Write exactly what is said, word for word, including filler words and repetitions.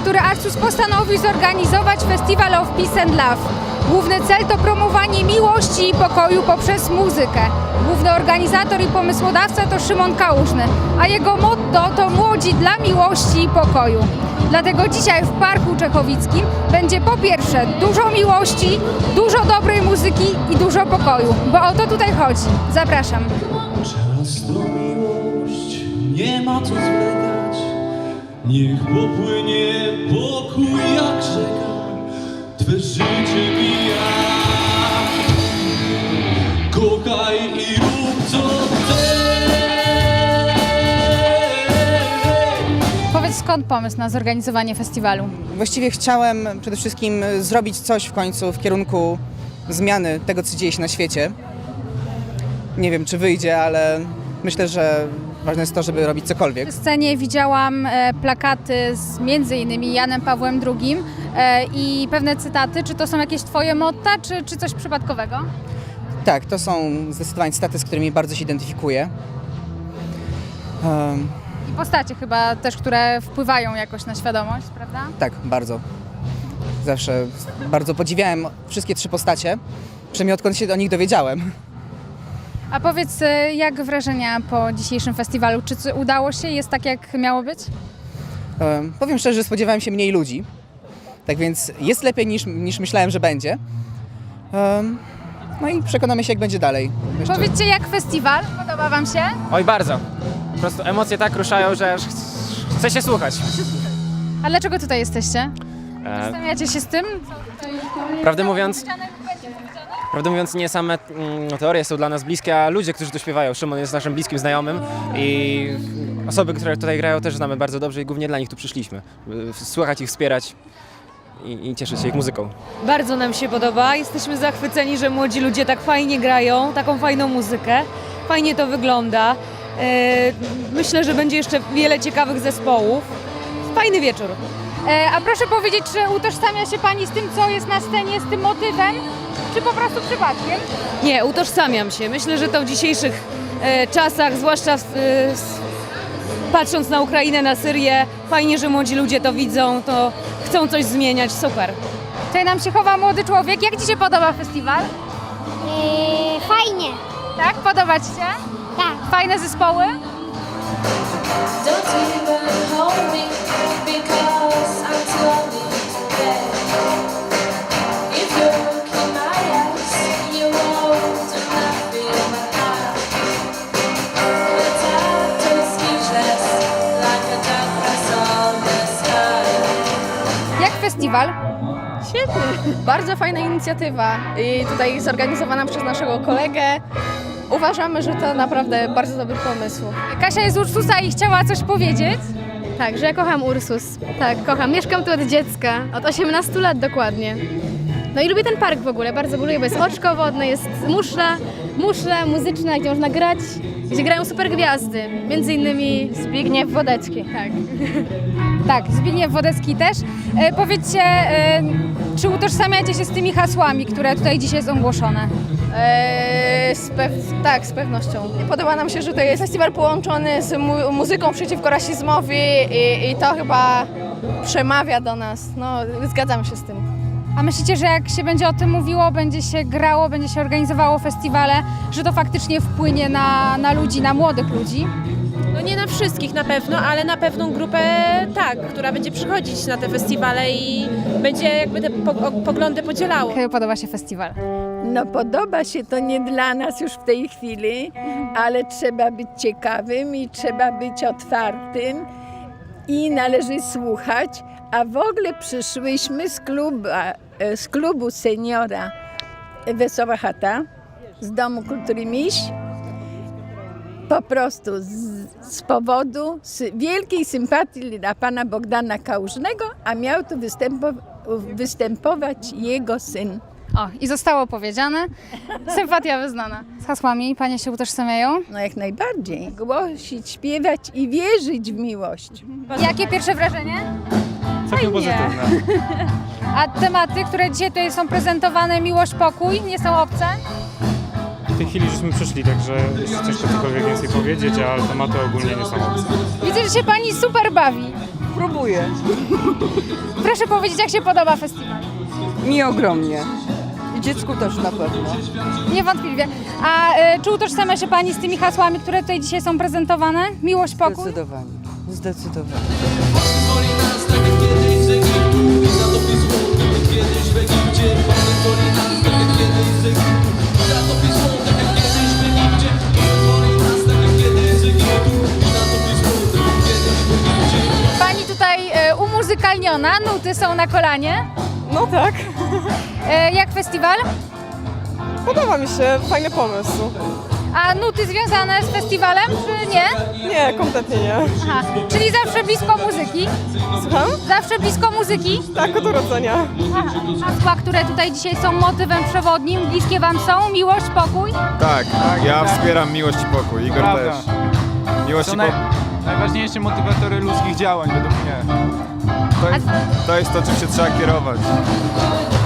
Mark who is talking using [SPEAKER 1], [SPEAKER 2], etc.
[SPEAKER 1] który Arcus postanowił zorganizować Festival of Peace and Love. Główny cel to promowanie miłości i pokoju poprzez muzykę. Główny organizator i pomysłodawca to Szymon Kałużny, a jego motto to Młodzi dla miłości i pokoju. Dlatego dzisiaj w Parku Czechowickim będzie po pierwsze dużo miłości, dużo dobrej muzyki i dużo pokoju, bo o to tutaj chodzi. Zapraszam.
[SPEAKER 2] Często miłość, nie ma co zwlekać, niech popłynie pokój jak rzeka, Twe życie mija. Kochaj i rób co chcesz.
[SPEAKER 1] Powiedz, skąd pomysł na zorganizowanie festiwalu?
[SPEAKER 3] Właściwie chciałem przede wszystkim zrobić coś w końcu w kierunku zmiany tego, co dzieje się na świecie. Nie wiem, czy wyjdzie, ale myślę, że ważne jest to, żeby robić cokolwiek.
[SPEAKER 1] Na scenie widziałam e, plakaty z między innymi Janem Pawłem drugim e, i pewne cytaty. Czy to są jakieś Twoje motta, czy, czy coś przypadkowego?
[SPEAKER 3] Tak, to są zdecydowanie cytaty, z którymi bardzo się identyfikuję. Um,
[SPEAKER 1] I postacie chyba też, które wpływają jakoś na świadomość, prawda?
[SPEAKER 3] tak, bardzo. Zawsze bardzo podziwiałem wszystkie trzy postacie, przynajmniej odkąd się o nich dowiedziałem.
[SPEAKER 1] A powiedz, e, jak wrażenia po dzisiejszym festiwalu? Czy c- udało się? Jest tak, jak miało być?
[SPEAKER 3] Um, powiem szczerze, że spodziewałem się mniej ludzi, tak więc jest lepiej niż, niż myślałem, że będzie. Um, no i przekonamy się, jak będzie dalej. Jeszcze...
[SPEAKER 1] Powiedzcie, jak festiwal? Podoba Wam się?
[SPEAKER 4] Oj, bardzo. Po prostu emocje tak ruszają, że aż ch- chce się słuchać.
[SPEAKER 1] A dlaczego tutaj jesteście?
[SPEAKER 4] E,
[SPEAKER 1] Zastanawiacie się z tym?
[SPEAKER 4] prawdę mówiąc, prawdę mówiąc, nie same mm, teorie są dla nas bliskie, a ludzie, którzy tu śpiewają. Szymon jest naszym bliskim znajomym i osoby, które tutaj grają, też znamy bardzo dobrze i głównie dla nich tu przyszliśmy. by Słuchać ich, wspierać i, i cieszyć się ich muzyką.
[SPEAKER 5] Bardzo nam się podoba. Jesteśmy zachwyceni, że młodzi ludzie tak fajnie grają, taką fajną muzykę. Fajnie to wygląda. E, Myślę, że będzie jeszcze wiele ciekawych zespołów. Fajny wieczór.
[SPEAKER 1] E, a proszę powiedzieć, czy utożsamia się Pani z tym, co jest na scenie, z tym motywem, czy po prostu przypadkiem?
[SPEAKER 5] Nie, utożsamiam się. Myślę, że to w dzisiejszych e, czasach, zwłaszcza w, e, s, patrząc na Ukrainę, na Syrię, fajnie, że młodzi ludzie to widzą, to chcą coś zmieniać. Super.
[SPEAKER 1] Tutaj nam się chowa młody człowiek. Jak Ci się podoba festiwal?
[SPEAKER 6] Yy, fajnie,
[SPEAKER 1] Tak? Podoba Ci się?
[SPEAKER 6] tak.
[SPEAKER 1] Fajne zespoły?
[SPEAKER 7] Don't even hold me because I'm too lonely today. If you look in my eyes, you won't do nothing but hide. The doctor is speechless, like a darkness on the sky.
[SPEAKER 1] Jak festiwal?
[SPEAKER 8] Świetny, bardzo fajna inicjatywa i tutaj zorganizowana przez naszego kolegę. Uważamy, że to naprawdę bardzo dobry pomysł.
[SPEAKER 1] Kasia jest z Ursusa i chciała coś powiedzieć.
[SPEAKER 8] Tak, że ja kocham Ursus. Tak, kocham. Mieszkam tu od dziecka, od osiemnastu lat dokładnie. No i lubię ten park w ogóle, bardzo go lubię, bo jest oczko wodne, jest muszla, muszla muzyczna, gdzie można grać, gdzie grają super gwiazdy, między innymi Zbigniew Wodecki. Tak.
[SPEAKER 1] Tak, Zbigniew Wodecki też. E, powiedzcie, e, czy utożsamiacie się z tymi hasłami, które tutaj dzisiaj są ogłoszone?
[SPEAKER 8] Eee, z pew- tak, z pewnością. Podoba nam się, że to jest festiwal połączony z mu- muzyką przeciwko rasizmowi i, i to chyba przemawia do nas. No, zgadzam się z tym.
[SPEAKER 1] A myślicie, że jak się będzie o tym mówiło, będzie się grało, będzie się organizowało festiwale, że to faktycznie wpłynie na, na ludzi, na młodych ludzi?
[SPEAKER 9] No nie na wszystkich na pewno, ale na pewną grupę tak, która będzie przychodzić na te festiwale i będzie jakby te po- poglądy podzielało.
[SPEAKER 1] Jak podoba się festiwal?
[SPEAKER 10] No podoba się to nie dla nas już w tej chwili, ale trzeba być ciekawym i trzeba być otwartym i należy słuchać, a w ogóle przyszłyśmy z klubu, z klubu seniora Wesoła Chata, z Domu Kultury Miś, po prostu z, z powodu sy, wielkiej sympatii dla pana Bogdana Kałużnego, a miał tu występo, występować jego syn.
[SPEAKER 1] O, i zostało powiedziane. Sympatia wyznana. Z hasłami Panie się utożsamiają?
[SPEAKER 10] No jak najbardziej. Głosić, śpiewać i wierzyć w miłość.
[SPEAKER 1] Jakie pierwsze wrażenie?
[SPEAKER 11] Całkiem pozytywne.
[SPEAKER 1] A tematy, które dzisiaj tutaj są prezentowane, miłość, pokój, nie są obce?
[SPEAKER 11] W tej chwili żeśmy przyszli, także jeszcze ciężko cokolwiek więcej powiedzieć, ale tematy ogólnie nie są obce.
[SPEAKER 1] Widzę, że się Pani super bawi.
[SPEAKER 3] Spróbuję.
[SPEAKER 1] Proszę powiedzieć, jak się podoba festiwal?
[SPEAKER 3] Mi ogromnie. I dziecku też na pewno.
[SPEAKER 1] Niewątpliwie. A e, czy utożsamia się Pani z tymi hasłami, które tutaj dzisiaj są prezentowane? Miłość, pokój?
[SPEAKER 3] Zdecydowanie. Zdecydowanie.
[SPEAKER 2] Woli nas tak jak kiedyś z Egiptu i zatopi złoto, jak kiedyś w Egipcie. Woli nas tak jak kiedyś z Egiptu i zatopi złoto, jak kiedyś w Egipcie. Woli nas tak jak kiedyś z Egiptu i zatopi złoto, jak kiedyś w Egipcie.
[SPEAKER 1] Pani tutaj e, umuzykalniona, nuty są na kolanie.
[SPEAKER 3] No tak.
[SPEAKER 1] E, jak festiwal?
[SPEAKER 3] Podoba mi się. Fajny pomysł.
[SPEAKER 1] A nuty związane z festiwalem, czy nie?
[SPEAKER 3] Nie, kompletnie nie.
[SPEAKER 1] Aha, czyli zawsze blisko muzyki?
[SPEAKER 3] Słucham?
[SPEAKER 1] Zawsze blisko muzyki?
[SPEAKER 3] Tak, od urodzenia.
[SPEAKER 1] Aha. Hasła, które tutaj dzisiaj są motywem przewodnim, bliskie Wam są? Miłość, pokój?
[SPEAKER 12] Tak, ja wspieram miłość i pokój, Igor
[SPEAKER 11] Prawda.
[SPEAKER 12] też. Miłość
[SPEAKER 11] To
[SPEAKER 12] i
[SPEAKER 11] naj,
[SPEAKER 12] pokój.
[SPEAKER 11] najważniejsze motywatory ludzkich działań według mnie.
[SPEAKER 12] To jest, to jest to, czym się trzeba kierować.